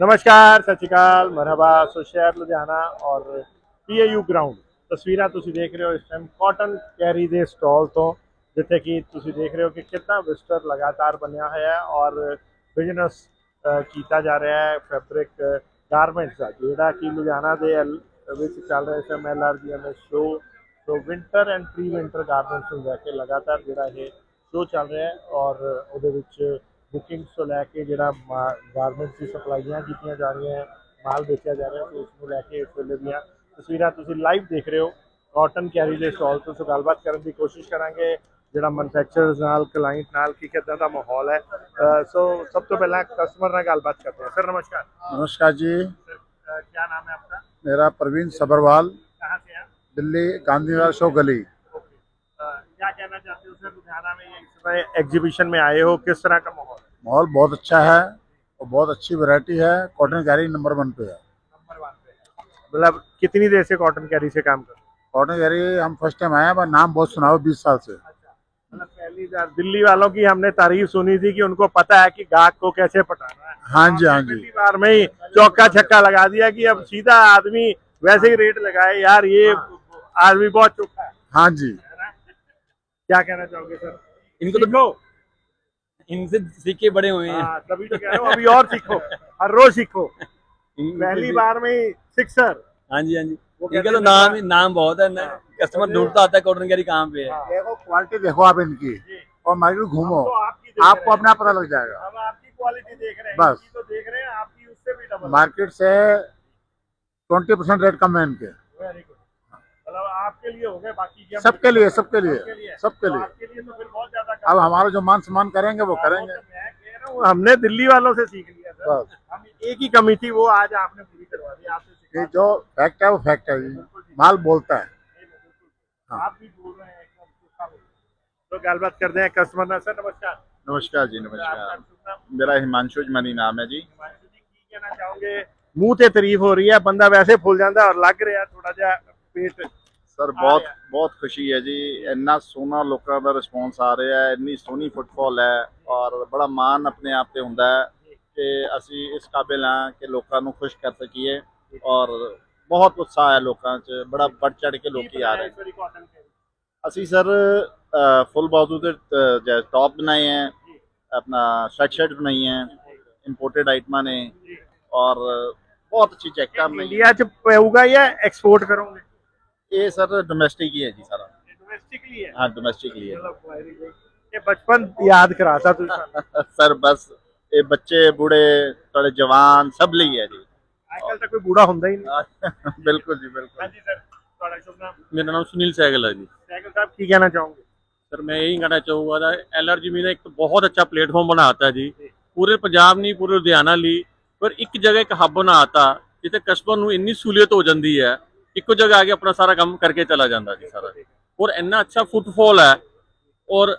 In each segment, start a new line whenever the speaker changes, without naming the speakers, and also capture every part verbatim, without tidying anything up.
नमस्कार, सत श्री अकाल, मरहबा। सो शहर लुधियाना और पी ए यू ग्राउंड तस्वीरां ਤੁਸੀਂ ਦੇਖ ਰਹੇ ਹੋ ਇਸ ਟਾਈਮ ਕਾਟਨ ਕੈਰੀ ਦੇ ਸਟਾਲ ਤੋਂ, ਜਿੱਥੇ ਕਿ ਤੁਸੀਂ ਦੇਖ ਰਹੇ ਹੋ ਕਿ ਕਿੰਨਾ ਵਿਸਟਰ ਲਗਾਤਾਰ ਬਣਿਆ ਹੋਇਆ ਹੈ ਔਰ ਬਿਜ਼ਨਸ ਕੀਤਾ ਜਾ ਰਿਹਾ ਹੈ ਫੈਬਰਿਕ ਗਾਰਮੈਂਟਸ ਦਾ, ਜਿਹੜਾ ਕਿ ਲੁਧਿਆਣਾ ਦੇ ਐਲ- ਵਿੱਚ ਚੱਲ ਰਿਹਾ ਇਸ M L R G M show. So winter and pre winter garments ਨੂੰ ਲੈ ਕੇ ਲਗਾਤਾਰ ਜਿਹੜਾ ਇਹ ਸ਼ੋ ਚੱਲ ਰਿਹਾ ਹੈ ਔਰ ਉਹਦੇ ਵਿੱਚ बुकिंग्स तो लैके जो गारमेंट्स की सप्लाइयाँ की जा रही हैं, माल बेचा जा रहा है, तो उसको लैके इस वेले दी तस्वीर तुम लाइव देख रहे हो कॉटन कैरी के स्टॉल तो। सो गलबात करने की कोशिश करेंगे जो मैनुफैक्चरर्स नाल क्लाइंट नाल की किदा का माहौल है। सो सब तो पहला कस्टमर नाल गलबात करते हैं। सर नमस्कार।
नमस्कार जी।
सर क्या नाम है आपका?
मेरा प्रवीण सबरवाल,
कहाँ से हैं?
दिल्ली गांधीनगर शो गली।
क्या कहना चाहते हो सर, लुधियाना में इस समय एग्जीबिशन में आए हो, किस तरह का माहौल है?
माहौल बहुत अच्छा है और बहुत अच्छी वैरायटी है। कॉटन कैरी नंबर वन पे है।
नंबर वन पे है। मतलब कितनी देर से कॉटन कैरी से काम कर रहे हो?
कॉटन कैरी हम फर्स्ट टाइम आए हैं, पर नाम बहुत सुना हो बीस साल से।
अच्छा, मतलब पहली बार दिल्ली वालों की हमने तारीफ सुनी थी कि उनको पता है कि गाहक को कैसे पटाना है।
हाँ जी, हाँ जी।
पहली बार में ही चौका छक्का लगा दिया कि अब सीधा आदमी वैसे ही रेट लगाए। यार ये आदमी बहुत चौका है।
हाँ जी।
क्या कहना चाहोगे सर?
इनको तो
सीखो।
इनसे सीख के बड़े हुए हैं।
हाँ, तभी तो कह रहा हूँ, अभी और सीखो, हर रोज सीखो। पहली बार में ही सिक्सर।
हाँ जी, हाँ जी।
वो
इनका
कहते
तो
हैं
नाम
ना-
ही नाम बहुत है ना। कस्टमर ढूंढता आता है कॉटन कैरी कहाँ पे है।
देखो क्वालिटी देखो आप इनकी और मार्केट घूमो,
तो आपकी देख
आपको
रहे हैं।
अपना पता लग जाएगा।
हम आपकी क्वालिटी देख रहे हैं,
बस।
इनकी तो देख रहे हैं, आपकी उससे भी डबल।
मार्केट से ट्वेंटी परसेंट रेट कम है इनके।
Very good. मतलब आपके लिए हो गए, बाकी की हम-
सबके लिए, सबके लिए,
सबके लिए
सबके
तो
लिए।
आपके लिए तो फिर बहुत ज्यादा
अब हमारा जो मान सम्मान करेंगे वो करेंगे।
मैं कह रहा हूँ, हमने दिल्ली वालों से सीख लिया सर।
बस।
हम एक ही कमी थी, वो आज आपने पूरी करवा दी। आपसे सीखा।
ये जो फैक्ट है वो फैक्ट है जी। माल बोलता है। हाँ।
आप भी बोल रहे हैं एकदम सूखा बोल रहे हैं। तो गलबात करते हैं कस्टमर ना। सर नमस्कार।
नमस्कार जी,
आपका
नमस्कार।
शुभ नाम?
मेरा हिमांशु मनी नाम है जी।
हिमांशु जी, की कहना चाहोगे? मुंह ते तारीफ हो रही है, बंदा वैसे फुल जाता और लग रहा थोड़ा जा पेट।
सर बहुत बहुत खुशी है जी। इन्ना सोहना लोगों का रिस्पॉन्स आ रहा है, इन्नी सोहनी फुटफॉल है और बड़ा मान अपने आप से होंदा है कि असी इस काबिल हाँ कि लोगों को खुश कर सकीए और बहुत उत्साह है लोगों च, बड़ा बढ़ चढ़ के लोग आ रहे हैं। असी सर फुल बाजू के टॉप बनाए हैं, अपना शर्ट शर्ट बनाई हैं, इंपोर्टेड आइटम ने और बहुत अच्छी जैकेट बनाई हैं।
इंडिया च पेगा या एक्सपोर्ट करोगे?
ये सर डोमेस्टिक ही है जी सारा।
डोमेस्टिकली है।
हाँ डोमेस्टिकली है
ये बचपन याद कराता तू सानू।
सर बस ये बच्चे बूढ़े थोड़े जवान सब ਲਈ है जी।
आजकल तक कोई बूढ़ा ਹੁੰਦਾ ही नहीं।
बिल्कुल जी, बिल्कुल।
हाँ जी सर, ਤੁਹਾਡਾ शुभ नाम?
मेरा नाम सुनील सहगल है जी।
सैगल साहब, की कहना चाहोगे?
सर मैं यही कहना चाहूँगा था, एल आर जी में एक तो बहुत अच्छा प्लेटफॉर्म बनाता है जी। पूरे पंजाब नहीं पूरे लुधियाना ਲਈ पर एक जगह एक हब बनाता जिथे कस्टमर ਨੂੰ ਇੰਨੀ ਸਹੂਲੀਅਤ ਹੋ ਜਾਂਦੀ ਹੈ, ਇੱਕੋ ਜਗ੍ਹਾ ਆ ਕੇ ਆਪਣਾ ਸਾਰਾ ਕੰਮ ਕਰਕੇ ਚਲਾ ਜਾਂਦਾ ਜੀ ਸਾਰਾ। और ਇੰਨਾ अच्छा फुटफॉल है और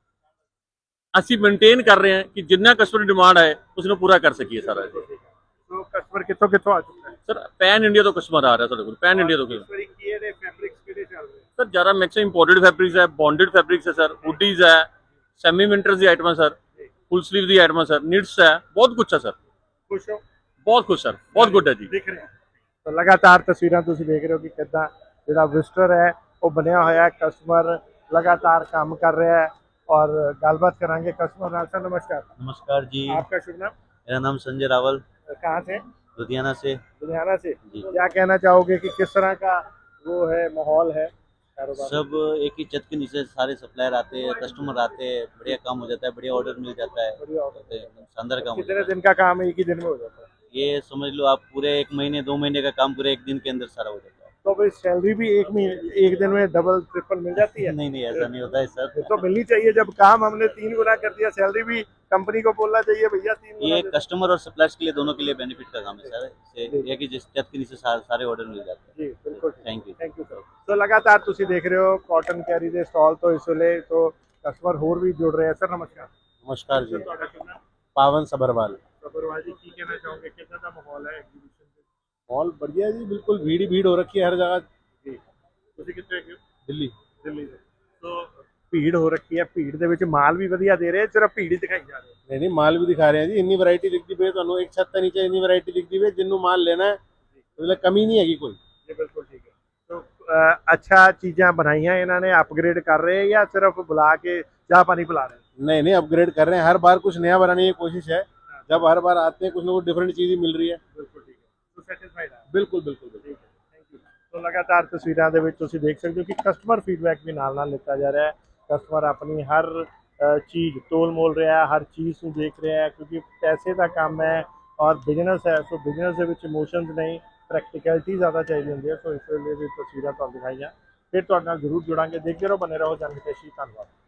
ਅਸੀਂ ਮੇਨਟੇਨ ਕਰ ਰਹੇ ਹਾਂ ਕਿ ਜਿੰਨਾ ਕਸਟਮਰ ਦੀ ਡਿਮਾਂਡ ਹੈ ਉਸ ਨੂੰ ਪੂਰਾ ਕਰ ਸਕੀਏ ਸਾਰਾ ਜੀ।
तो कस्टमर कितों कितों आ चुका है?
ਸਰ ਪੈਨ ਇੰਡੀਆ ਤੋਂ ਕਸਟਮਰ ਆ ਰਿਹਾ ਸਾਡੇ ਕੋਲ, ਪੈਨ ਇੰਡੀਆ ਤੋਂ।
इस बारी किए दे फैब्रिक्स किहड़े चल रहे हैं?
सर ज़्यादा मैक्सिमम इंपोर्टेड फैब्रिक्स है, बॉन्डेड फैब्रिक्स है सर, हुडीज है, सेमी विंटर्स की आइटम है सर, फुल स्लीव की आइटम है सर, निट्स है, बहुत कुछ है सर।
खुश हो?
बहुत कुछ सर, बहुत गुड है जी।
दिख रहे हैं तो लगातार तस्वीरां तुसीं देख रहे हो कि कितना जिहड़ा विजिटर है वो बनया होया है। कस्टमर लगातार काम कर रहा है और गलबात करांगे कस्टमर नाल। सर नमस्कार।
नमस्कार जी।
आपका शुभ नाम?
मेरा नाम संजय रावल,
कहाँ से?
लुधियाना से।
लुधियाना से।
जी।
क्या कहना चाहोगे कि किस तरह का वो है माहौल है कारोबार?
सब एक ही छत के नीचे सारे सप्लायर आते हैं, कस्टमर आते हैं, बढ़िया काम हो जाता है, बढ़िया ऑर्डर मिल जाता है,
बढ़िया ऑर्डर।
तो एकदम शानदार काम हो
कितने
जाता है।
दिन का काम है एक ही दिन में हो जाता है?
ये समझ लो आप पूरे एक महीने दो महीने का काम पूरे एक दिन के अंदर सारा हो जाता
तो भाई सैलरी भी एक महीने एक दिन में डबल ट्रिपल मिल जाती है?
है। नहीं नहीं ऐसा नहीं होता है
ये
सर।
तो मिलनी चाहिए। जब काम हमने तीन गुना कर दिया, सैलरी भी कंपनी को बोलना चाहिए भैया तीन गुना
ये
दे दो।
कस्टमर और सप्लायर्स के लिए दोनों के लिए बेनिफिट का काम है सर। इससे एक ही जिस छत के नीचे सारे, सारे ऑर्डर मिल जाते
जी बिल्कुल।
हैं। Thank you.
Thank you sir. तो लगातार तुसी देख रहे हो कॉटन कैरी दे स्टॉल तो इस वेले तो कस्टमर होर भी जुड़ रहे हैं। सर नमस्कार।
नमस्कार
सर ਤੁਹਾਡਾ शुभ नाम?
पावन सबरवाल।
सब्रवाल जी, की कहना चाहोगे कितना का माहौल है एग्जीबिशन पे?
माहौल बढ़िया जी, बिल्कुल भीड़ ही भीड़ हो रखी है हर जगह।
जी। तुसी कितने के हो?
दिल्ली।
दिल्ली से। तो ਭੀੜ ਹੋ ਰੱਖੀ ਹੈ, ਭੀੜ ਦੇ ਵਿੱਚ ਮਾਲ ਵੀ ਵਧੀਆ ਦੇ ਰਹੇ, ਸਿਰਫ ਭੀੜ ਹੀ ਦਿਖਾਈ ਜਾ ਰਹੀ ਹੈ।
नहीं नहीं माल भी दिखा रहे हैं जी, इन्नी वैरायटी दिखती पे ਤੁਹਾਨੂੰ एक छत के नीचे इन्नी वैरायटी दिखती पे जिन्नू माल लेना है मतलब कमी नहीं हैगी कोई।
ਜੀ ਬਿਲਕੁਲ ਠੀਕ ਹੈ। ਤੋ ਅ, ਅੱਛਾ ਚੀਜ਼ਾਂ ਬਣਾਈਆਂ ਇਹਨਾਂ ਨੇ, ਅਪਗ੍ਰੇਡ ਕਰ ਰਹੇ ਜਾਂ ਸਿਰਫ बुला के ਚਾਹ ਪਾਣੀ पिला रहे हैं?
नहीं नहीं अपग्रेड कर रहे हैं, हर बार कुछ नया बनाने की कोशिश है। जब हर बार आते हैं कुछ ना कुछ डिफरेंट चीज़ ही मिल रही है।
ਬਿਲਕੁਲ ਠੀਕ ਹੈ। ਤੋ ਸੈਟੀਸਫਾਈਡ ਹੈ?
बिल्कुल बिल्कुल बिल्कुल।
ਠੀਕ ਹੈ, ਥੈਂਕ ਯੂ। ਤੋ ਲਗਾਤਾਰ ਤਸਵੀਰਾਂ ਦੇ ਵਿੱਚ ਤੁਸੀਂ ਦੇਖ ਸਕਦੇ ਹੋ ਕਿ ਕਸਟਮਰ ਫੀਡਬੈਕ ਵੀ ਨਾਲ ਨਾਲ ਲਿੱਤਾ ਜਾ ਰਿਹਾ ਹੈ। ਕਸਟਮਰ ਆਪਣੀ ਹਰ ਅ, ਚੀਜ਼ ਤੋਲ ਮੋਲ ਰਿਹਾ ਹੈ, ਹਰ ਚੀਜ਼ ਨੂੰ ਦੇਖ ਰਿਹਾ ਹੈ, ਕਿਉਂਕਿ ਪੈਸੇ ਦਾ ਕੰਮ ਹੈ ਔਰ ਬਿਜ਼ਨਸ ਹੈ। ਸੋ ਬਿਜ਼ਨਸ ਦੇ ਵਿੱਚ ਇਮੋਸ਼ਨਸ ਨਹੀਂ, ਪ੍ਰੈਕਟੀਕੈਲਿਟੀ ਜ਼ਿਆਦਾ ਚਾਹੀਦੀ ਹੁੰਦੀ ਹੈ। ਸੋ ਇਸ ਵੇਲੇ ਵੀ ਤਸਵੀਰਾਂ ਤੁਹਾਨੂੰ ਦਿਖਾਈਆਂ, ਫਿਰ ਤੁਹਾਡੇ ਨਾਲ ਜ਼ਰੂਰ ਜੁੜਾਂਗੇ। ਦੇਖਦੇ ਰਹੋ, ਬਨੇ ਰਹੋ ਜਨ ਹਿਤੈਸ਼ੀ। ਧੰਨਵਾਦ।